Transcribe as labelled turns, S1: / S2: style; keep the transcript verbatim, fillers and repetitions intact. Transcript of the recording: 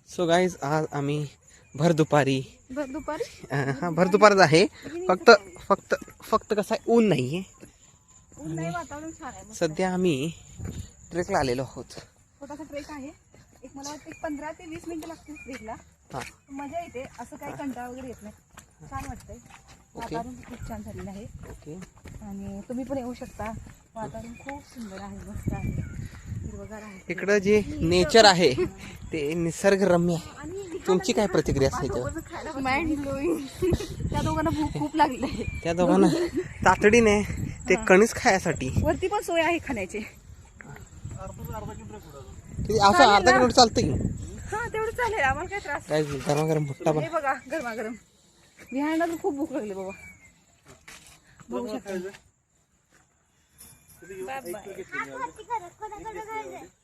S1: So guys आज आम्ही भर दुपारी
S2: भर दुपारी
S1: हा भर दुपारच आहे. फक्त फक्त फक्त कसं आहे, ऊन नाही आहे.
S2: ऊन नाही, वातावरण छान आहे. मस्त
S1: सध्या आम्ही ट्रेकला आलेलो आहोत.
S2: छोटासा ट्रेक आहे. एक मला वाटतं एक पंधरा ते वीस मिनिटं लागतील ट्रेकला.
S1: हां
S2: मजा येते, असं काही कंटाळा वगैरे येत नाही. छान वाटतंय. वातावरण खूप छान झालेलं आहे.
S1: ओके.
S2: आणि तुम्ही पण येऊ शकता. वातावरण खूप सुंदर आहे, मस्त आहे, हिरवगार आहे.
S1: इकडं जे नेचर आहे ते निसर्गरम्य आहे. तुमची काय प्रतिक्रिया असते त्याच्यावर?
S2: Mind blowing. त्या दोघांना भूक खूप लागली आहे.
S1: त्या दोघांना तातडीने ते कणीस खायसाठी
S2: वरती पण सोय आहे खाण्याची.
S1: ते असं अर्धा किलोमीटर चालतं की.
S2: हा तेवढं चालेल, आम्हाला काय त्रास.
S1: काय गरमागरम भुट्टा
S2: हे बघा गरमागरम. विहायला खूप भूक लागली बाबा. बघू शकता. Bye bye.